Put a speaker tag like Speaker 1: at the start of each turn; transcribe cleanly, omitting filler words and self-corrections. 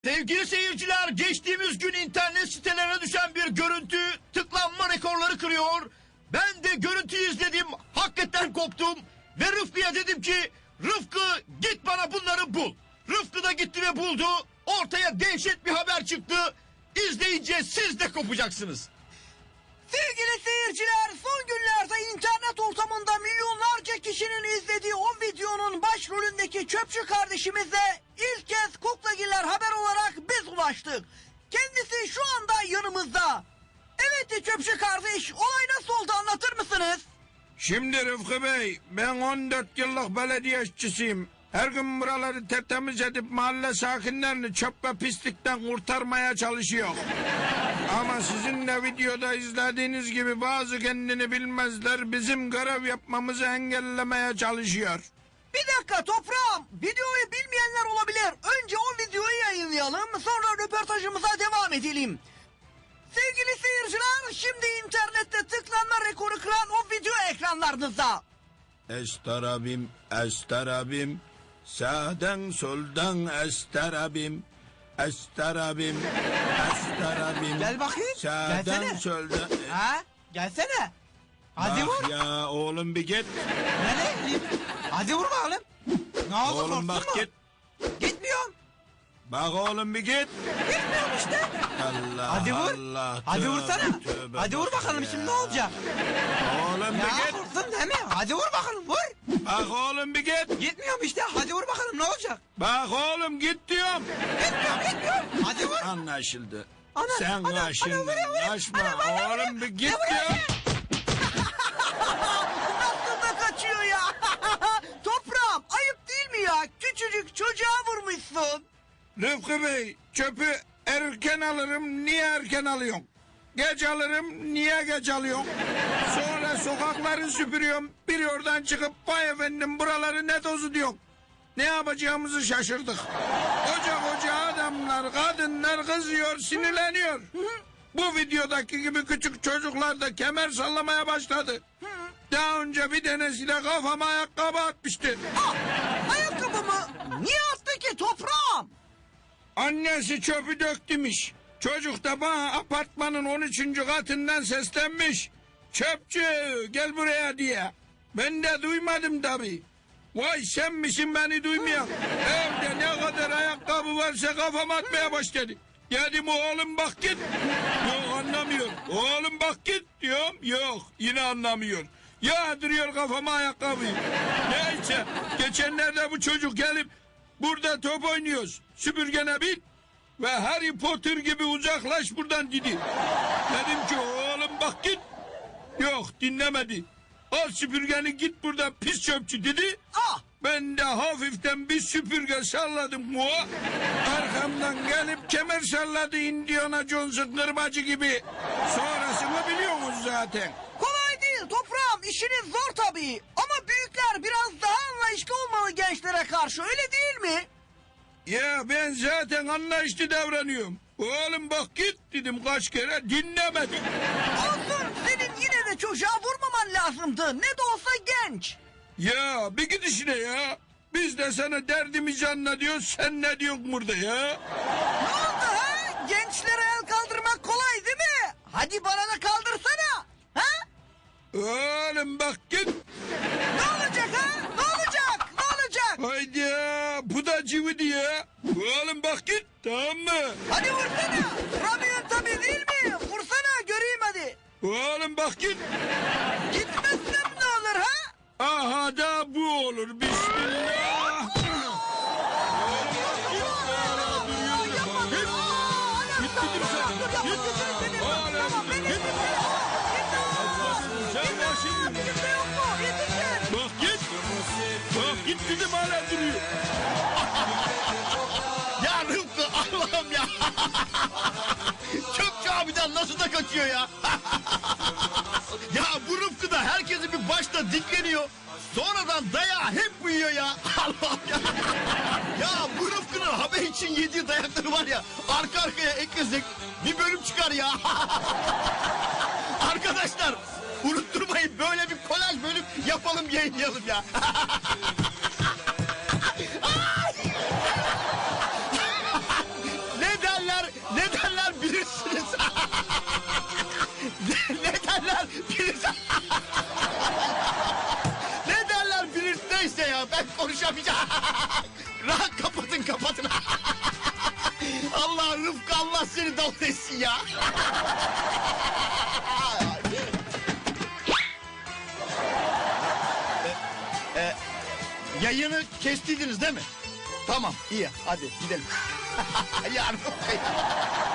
Speaker 1: Sevgili seyirciler, geçtiğimiz gün internet sitelerine düşen bir görüntü tıklanma rekorları kırıyor. Ben de görüntüyü izledim, hakikaten koptum ve Rıfkı'ya dedim ki Rıfkı git bana bunları bul. Rıfkı da gitti ve buldu. Ortaya dehşet bir haber çıktı. İzleyince siz de kopacaksınız.
Speaker 2: Sevgili seyirciler, son günlerde internet ortamında milyonlarca kişinin izlediği o videonun başrolündeki çöpçü kardeşimize ilk kez Kuklagiller haber olarak biz ulaştık. Kendisi şu anda yanımızda. Evet çöpçü kardeş, olay nasıl oldu anlatır mısınız?
Speaker 3: Şimdi Rıfkı Bey, ben 14 yıllık belediye işçisiyim. Her gün buraları tertemiz edip mahalle sakinlerini çöp ve pislikten kurtarmaya çalışıyor. Ama sizin de videoda izlediğiniz gibi bazı kendini bilmezler bizim görev yapmamızı engellemeye çalışıyor.
Speaker 2: Bir dakika toprağım, videoyu bilmeyenler olabilir. Önce o videoyu yayınlayalım, sonra röportajımıza devam edelim. Sevgili seyirciler, şimdi internette tıklanma rekoru kıran o video ekranlarınızda.
Speaker 3: Estarabim, estarabim, sağdan soldan estarabim, estarabim, estarabim.
Speaker 2: Gel bakayım,
Speaker 3: Sağdan
Speaker 2: gelsene.
Speaker 3: soldan.
Speaker 2: Ha? Gelsene. Hadi
Speaker 3: Bak
Speaker 2: vur.
Speaker 3: ya oğlum bir git.
Speaker 2: Nereye gideyim? Hadi vur bakalım. Ne oldu,
Speaker 3: Oğlum
Speaker 2: korktun
Speaker 3: bak
Speaker 2: mu?
Speaker 3: git.
Speaker 2: Gitmiyorum.
Speaker 3: Bak oğlum bir git.
Speaker 2: Gitmiyorum işte.
Speaker 3: Allah
Speaker 2: Hadi vur.
Speaker 3: Allah.
Speaker 2: Hadi
Speaker 3: tövbe,
Speaker 2: vursana.
Speaker 3: tövbe
Speaker 2: Hadi vur
Speaker 3: bak
Speaker 2: bakalım
Speaker 3: ya.
Speaker 2: şimdi ne olacak?
Speaker 3: Oğlum
Speaker 2: Ya
Speaker 3: bir git.
Speaker 2: korktun değil mi? Hadi vur bakalım vur.
Speaker 3: Bak oğlum bir git.
Speaker 2: Gitmiyorum işte. Hadi vur bakalım ne olacak?
Speaker 3: Bak oğlum git diyorum.
Speaker 2: Gitmiyorum. Hadi vur.
Speaker 3: Anlaşıldı.
Speaker 2: Ana,
Speaker 3: Sen
Speaker 2: ana,
Speaker 3: kaşındın.
Speaker 2: ana, vuruyor.
Speaker 3: Kaçma.
Speaker 2: Ana, vuruyor,
Speaker 3: Oğlum bir git
Speaker 2: vuruyor.
Speaker 3: diyorum.
Speaker 2: Nasıl da kaçıyor ya? Toprağım ayıp değil mi ya? Küçücük çocuğa vurmuşsun.
Speaker 3: Rıfkı Bey, çöpü erken alırım, niye erken alıyorsun? Geç alırım, niye geç alıyorsun? Sonra sokakları süpürüyorum, bir oradan çıkıp vay efendim buraları ne tozu diyorsun. Ne yapacağımızı şaşırdık. Koca adamlar, kadınlar kızıyor, sinirleniyor. Bu videodaki gibi küçük çocuklar da kemer sallamaya başladı. Daha önce bir tanesiyle kafama ayakkabı atmıştı.
Speaker 2: Ayakkabı mı? Niye attı ki toprağım?
Speaker 3: Annesi çöpü döktümüş. Çocuk da bana apartmanın 13. katından seslenmiş. Çöpçü gel buraya diye. Ben de duymadım tabii. Vay sen misin beni duymayan? Evde ne kadar ayakkabı varsa kafama atmaya başladı. Dedim oğlum bak git. Yok anlamıyor. Oğlum bak git diyorum. Yok yine anlamıyor. Yağdırıyor kafama ayakkabıyı. Neyse geçenlerde bu çocuk gelip burada top oynuyoruz. Süpürgene bin ve Harry Potter gibi uzaklaş buradan dedi. Dedim ki oğlum bak git. Yok dinlemedi. Al süpürgeni git buradan pis çöpçü dedi.
Speaker 2: Ah!
Speaker 3: Ben de hafiften bir süpürge salladım mu? Arkamdan gelip kemer salladı Indiana Jones'un kırbacı gibi. Sonrasını biliyorsunuz zaten.
Speaker 2: Kolay değil toprağım, işiniz zor tabii. Ama büyükler biraz daha anlayışlı olmalı gençlere karşı, öyle değil mi?
Speaker 3: Ya ben zaten anlayışlı davranıyorum. Oğlum bak git dedim kaç kere dinlemedi.
Speaker 2: Olsun, senin yine de çocuğa vurmaman lazımdı. Ne de olsa genç.
Speaker 3: Ya bir git işine ya. Biz de sana derdimizi anlatıyoruz sen ne diyorsun burada ya?
Speaker 2: Ne oldu ha? Gençlere el kaldırmak kolay değil mi? Hadi bana da kaldırsana. Ha?
Speaker 3: Oğlum bak git.
Speaker 2: Ne olacak ha? Ne olacak? Ne olacak?
Speaker 3: Haydi ya bu da cıvıdı ya. Oğlum bak git tamam mı?
Speaker 2: Hadi vursana. Vuramıyorsun tabii değil mi? Vursana göreyim hadi.
Speaker 3: Oğlum bak git.
Speaker 2: Gitmezsem ne olur ha?
Speaker 3: Aha da bu olur bismillah. Git dedim sana. Git. Oğlum git. Sen başını. Bak git. Bak git dedim hala duruyor.
Speaker 1: Ya Rıfkı Allah'ım ya. Çöpçü abiden nasıl da kaçıyor ya. Ya bu Rıfkı da herkesi bir başta dikleniyor. Sonradan dayağı hep uyuyor ya. Allah'ım ya. Ya bu Rıfkı'nın haber için yediği dayakları var ya. Arka arkaya eklesek bir bölüm çıkar ya. Arkadaşlar unutturmayın, böyle bir kolaj bölüm yapalım, yayınlayalım ya. yapamayacağım. Rahat kapatın. Allah Rıfkı, Allah seni dal etsin ya. Yayını kestiydiniz değil mi? Tamam, iyi, hadi gidelim. Ya Rıfkı ya.